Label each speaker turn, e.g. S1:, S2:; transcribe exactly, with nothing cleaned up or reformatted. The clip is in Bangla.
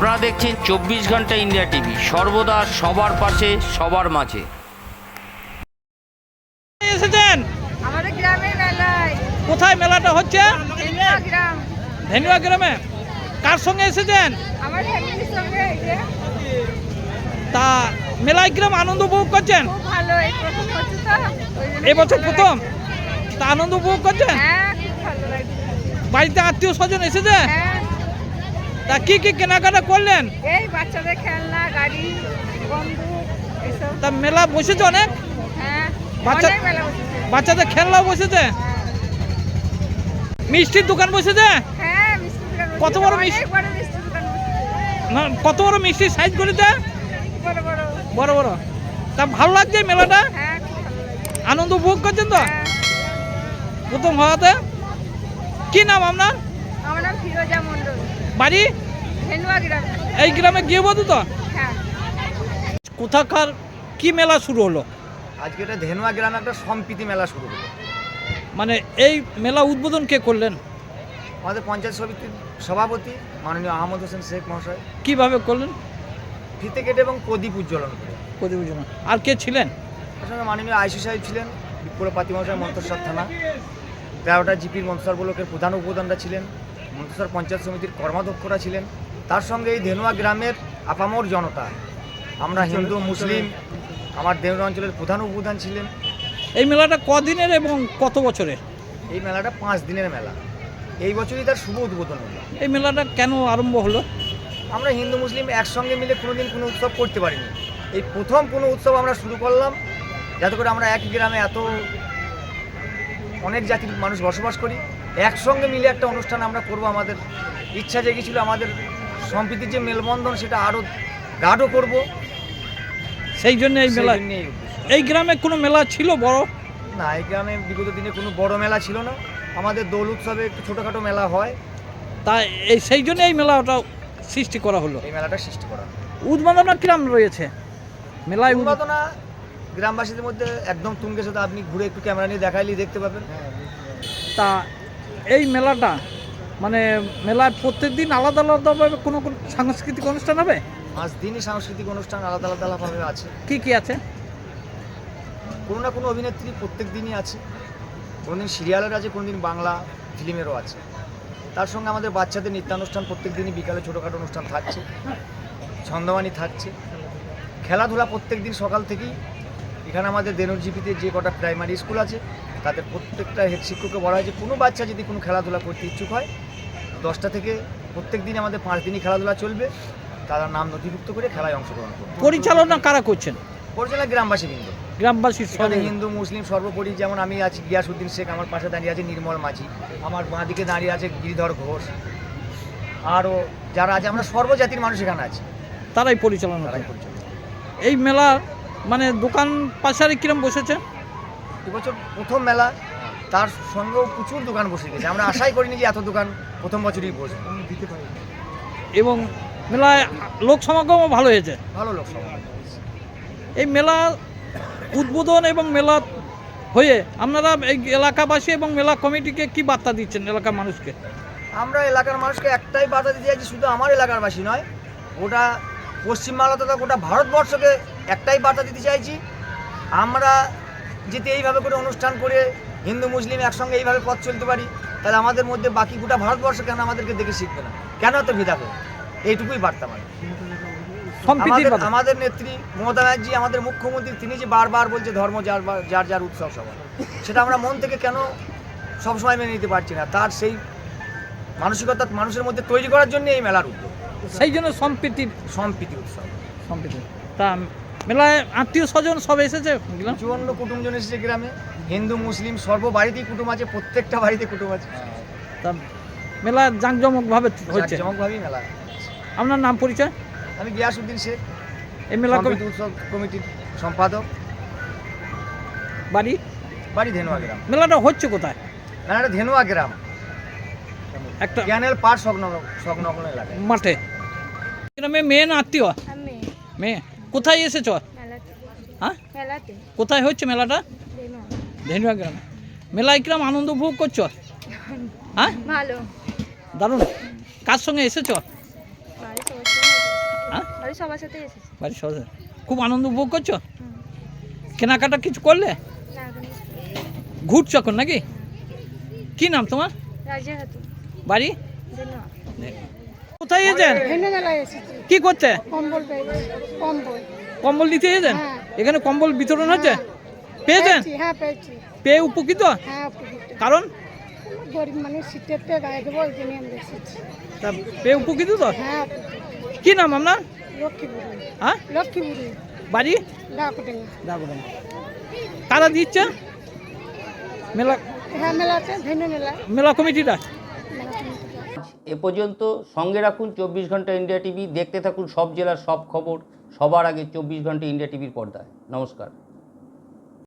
S1: আপনারা দেখছেন চব্বিশ ঘন্টা ইন্ডিয়া টিভি, সর্বদা সবার পাশে সবার মাঝে।
S2: এসেছেন
S3: আমাদের গ্রামের মেলায়।
S2: কোথায় মেলাটা হচ্ছে?
S3: ধেনুয়া গ্রাম।
S2: ধেনুয়া গ্রামে। কার সঙ্গে এসেছেন?
S3: আমার ফ্যামিলির সঙ্গে এই যে।
S2: তা মেলায় গ্রাম আনন্দ উপভোগ করছেন?
S3: খুব ভালো, এই প্রথম হচ্ছে তো ওই জন্য
S2: এই বছর
S3: ভালো
S2: প্রথম
S3: লাগছে।
S2: তা আনন্দ উপভোগ করছেন?
S3: হ্যাঁ, খুব ভালো লাগছে।
S2: বাড়িতে আত্মীয় স্বজন এসেছে?
S3: হ্যাঁ,
S2: তা কি কি কেনাকাটা করলেন?
S3: এই বাচ্চাদের খেলনা, গাড়ি, বন্দুক এসব।
S2: তা মেলা বসেছে অনেক?
S3: হ্যাঁ,
S2: বাচ্চা-
S3: অনেক মেলা বসেছে।
S2: বাচ্চাদের খেলনাও বসেছে? মিষ্টির দোকান বসেছে?
S3: হ্যাঁ, মিষ্টির দোকান বসেছে।
S2: কত বড় মিষ্টি?
S3: অনেক বড় মিষ্টির দোকান বসেছে।
S2: না, কত বড় মিষ্টির সাইজ করেছে?
S3: বড় বড়।
S2: বড় বড়। তা ভালো লাগছে মেলাটা?
S3: হ্যাঁ, খুব ভালো লাগছে।
S2: আনন্দ উপভোগ করছেন তো
S3: হ্যাঁ,
S2: প্রথম হওয়াতে? কি নাম আপনার?
S3: আমার নাম ফিরোজা মণ্ডল।
S2: বাড়ি
S3: ধেনুয়া গ্রাম।
S2: এই গ্রামে গৃহবধূ তো?
S3: হ্যাঁ,
S2: কোথাকার কি মেলা শুরু হলো?
S4: আজকে এটা ধেনুয়া গ্রামে একটা সম্প্রীতি মেলা শুরু হলো।
S2: মানে এই মেলা উদ্বোধন কে করলেন?
S4: আমাদের পঞ্চায়েত সমিতির সভাপতি মাননীয় আহমদ হোসেন শেখ মহাশয়
S2: কিভাবে করলেন?
S4: ফিতে কেটে এবং প্রদীপ উজ্জ্বলন করে।
S2: প্রতিবেদন আর কে ছিলেন?
S4: তার সঙ্গে মাননীয় আইসি সাহেব ছিলেন, বিপ্লপাতি মহাশয় মন্তসর থানা, তেরোটা জিপির মন্তসর ব্লকের প্রধান উপপ্রধানরা ছিলেন, মন্তসর পঞ্চায়েত সমিতির কর্মাধ্যক্ষরা ছিলেন, তার সঙ্গে এই ধেনুয়া গ্রামের আপামর জনতা, আমরা হিন্দু মুসলিম, আমার ধেনুয়া অঞ্চলের প্রধান উপপ্রধান ছিলেন।
S2: এই মেলাটা কদিনের এবং কত বছরের?
S4: এই মেলাটা পাঁচ দিনের মেলা, এই বছরই তার শুভ উদ্বোধন হলো।
S2: এই মেলাটা কেন আরম্ভ হলো?
S4: আমরা হিন্দু মুসলিম একসঙ্গে মিলে কোনোদিন কোনো উৎসব করতে পারিনি, এই প্রথম কোনো উৎসব আমরা শুরু করলাম, যাতে করে আমরা একই গ্রামে এত অনেক জাতির মানুষ বসবাস করি, একসঙ্গে মিলে একটা অনুষ্ঠান আমরা করব। আমাদের ইচ্ছা জেগেছিল আমাদের সম্প্রীতির যে মেলবন্ধন সেটা আরও গাঢ় করব,
S2: সেই জন্য এই
S4: সেই
S2: মেলা।
S4: জন্যে এই উদ্দেশ্য।
S2: এই গ্রামে কোনো মেলা ছিল বড়?
S4: না, এই গ্রামে বিগত দিনে কোনো বড় মেলা ছিল না, আমাদের দোল উৎসবে একটু ছোটোখাটো মেলা হয়,
S2: তাই এই সেই জন্য এই মেলাটা সৃষ্টি করা হলো।
S4: এই মেলাটা সৃষ্টি করা।
S2: উদ্বোধনটা কিরম রয়েছে মেলায়? উদ্বোধন-
S4: উন্মাদনা গ্রামবাসীদের মধ্যে একদম তুঙ্গে, সাথে আপনি ঘুরে একটু ক্যামেরা নিয়ে দেখাইলেই দেখতে পাবেন।
S2: তা এই মেলাটা মানে মেলায় প্রত্যেক দিন আলাদা আলাদাভাবে কোনো কোনো সাংস্কৃতিক অনুষ্ঠান হবে?
S4: পাঁচ দিনই সাংস্কৃতিক অনুষ্ঠান আলাদা আলাদা আলাদাভাবে আছে।
S2: কি কি আছে?
S4: কোনো না কোনো অভিনেত্রী প্রত্যেক দিনই আছে, কোনো দিন সিরিয়ালের আছে, কোনো দিন বাংলা ফিল্মেরও আছে। তার সঙ্গে আমাদের বাচ্চাদের নৃত্যানুষ্ঠান প্রত্যেক দিনই বিকালে ছোটোখাটো অনুষ্ঠান থাকছে, ছন্দমানি থাকছে, খেলাধুলা প্রত্যেক দিন সকাল থেকেই। এখানে আমাদের দেনুরজিপিতে যে কটা প্রাইমারি স্কুল আছে তাদের প্রত্যেকটা হেড শিক্ষককে বলা হয়েছে কোনো বাচ্চা যদি কোনো খেলাধুলা করতে ইচ্ছুক হয় দশটা থেকে প্রত্যেক দিন আমাদের পাঁচ দিনই খেলাধুলা চলবে, তারা নাম নথিভুক্ত করে খেলায় অংশগ্রহণ করবে।
S2: পরিচালনা কারা করছেন?
S4: পরিচালনা গ্রামবাসী বৃন্দ,
S2: গ্রামবাসীর
S4: এখানে
S2: সঙ্গে।
S4: হিন্দু মুসলিম সর্বোপরি, যেমন আমি আছি গিয়াসউদ্দিন শেখ, আমার পাশে দাঁড়িয়ে আছে নির্মল মাঝি, আমার বাঁ দিকে দাঁড়িয়ে আছে গিরিধর ঘোষ, আরও যারা আছে আমরা সর্বজাতির মানুষ এখানে আছি,
S2: তারাই পরিচালনা
S4: তারাই
S2: করে।
S4: পরিচালনা।
S2: এই মেলা মানে দোকান পাশারে কিরম বসেছে?
S4: এবছর প্রথম মেলা, তার সঙ্গেও প্রচুর দোকান বসে গেছে, আমরা আশাই করিনি যে এত দোকান প্রথম বছরই বসবে।
S2: এবং মেলায় লোক সমাগমও ভালো হয়েছে।
S4: ভালো লোক সমাগম।
S2: এই মেলা উদ্বোধন এবং মেলা হয়ে আপনারা এই এলাকাবাসী এবং মেলা কমিটিকে কি বার্তা দিচ্ছেন এলাকার মানুষকে?
S4: আমরা এলাকার মানুষকে একটাই বার্তা দিতে চাইছি, শুধু আমার এলাকার বাসী নয়, গোটা পশ্চিমবাংলা তথা গোটা ভারতবর্ষকে একটাই বার্তা দিতে চাইছি, আমরা যদি এইভাবে করে অনুষ্ঠান করে হিন্দু মুসলিম একসঙ্গে এইভাবে পথ চলতে পারি, তাহলে আমাদের মধ্যে বাকি গোটা ভারতবর্ষ কেন আমাদেরকে দেখে শিখবে না, কেন এত ভেদা হবে? এইটুকুই বার্তা মানে।
S2: সম্প্রীতির
S4: আমাদের
S2: কথা।
S4: আমাদের নেত্রী মমতা ব্যানার্জি, আমাদের মুখ্যমন্ত্রী, তিনি যে বারবার বলছে ধর্ম যার বা- যার যার উৎসব সবার, সেটা আমরা মন থেকে কেন সবসময় মেনে নিতে পারছি না? তার সেই মানসিকতা মানুষের মধ্যে তৈরি করার জন্য এই মেলার উদ্যোগ,
S2: সেই জন্য সম্প্রীতির
S4: সম্প্রীতি উৎসব।
S2: সম্প্রীতি। তা মেলায় আত্মীয় স্বজন সব এসেছে বুঝলাম।
S4: চুয়ান্ন কুটুমজন এসেছে গ্রামে, হিন্দু মুসলিম সর্ব বাড়িতেই কুটুম আছে, প্রত্যেকটা বাড়িতে কুটুম আছে,
S2: তা মেলা জাঁকজমকভাবে হচ্ছে।
S4: জাঁকজমকভাবেই মেলা।
S2: আপনার নাম পরিচয়?
S4: আমি গিয়াসউদ্দিন শেখ,
S2: এই মেলা কমি-
S4: সম্প্রীতি উৎসব কমিটির সম্পাদক,
S2: বাড়ি
S4: বাড়ি ধেনুয়া গ্রাম।
S2: মেলাটা হচ্ছে কোথায়?
S4: মেলাটা ধেনুয়া গ্রাম,
S2: একটা
S4: ক্যানেল পার সংলগ্ন সংলগ্ন এলাকায়।
S2: মাঠে। গ্রামে মেয়ে না আত্মীয়?
S3: আমি
S2: মেয়ে। কোথায় এসেছ?
S3: মেলাতে।
S2: হ্যাঁ,
S3: মেলাতে।
S2: কোথায় হচ্ছে মেলাটা?
S3: ধেনুয়া।
S2: ধেনুয়া গ্রামে। মেলায় কিরম আনন্দ উপভোগ করছো? হ্যাঁ,
S3: ভালো।
S2: দারুণ। কার সঙ্গে এসেছ?
S3: বাড়ির সবার সঙ্গে বাড়ির সবার সাথে এসেছি।
S2: বাড়ির সবাই খুব আনন্দ উপভোগ করছো?
S3: হুম।
S2: কেনাকাটা কিছু করলে?
S3: না এখন
S2: ঘুরছো এখন নাকি? কি নাম তোমার?
S3: রাজিয়া খাতুন।
S2: বাড়ি
S3: ধন্যবাদ।
S2: কোথায় এসেছেন?
S3: ভিন্ন মেলায় এসেছি।
S2: কি করতে?
S3: কম্বল পেয়েছি। কম্বল।
S2: কম্বল দিতে এসেছেন?
S3: হ্যাঁ।
S2: এখানে কম্বল বিতরণ হচ্ছে? পেয়েছেন?
S3: পেয়েছি, হ্যাঁ পেয়েছি।
S2: পেয়ে উপকৃত?
S3: হ্যাঁ উপকৃত।
S2: কারণ
S3: গরিব মানুষ শীতের তে গায়ে দেবো ওই জন্য আমরা এসেছি।
S2: তা পেয়ে উপকৃত তো?
S3: হ্যাঁ উপকৃত।
S2: কি নাম আপনার?
S3: লক্ষ্মীপুরি।
S2: হ্যাঁ
S3: লক্ষ্মীপুরি।
S2: বাড়ি
S3: ডাকুডেঙ্গা।
S2: ডাকুডাঙ্গা। কারা দিচ্ছে মেলা?
S3: হ্যাঁ মেলাতে ভিন্ন মেলা।
S2: মেলা কমিটিটা?
S3: মেলা কমিটিতে।
S1: এ পর্যন্ত সঙ্গে রাখুন চব্বিশ ঘন্টা ইন্ডিয়া টিভি, দেখতে থাকুন সব জেলার সব খবর সবার আগে চব্বিশ ঘন্টা ইন্ডিয়া টিভির পর্দায়। নমস্কার।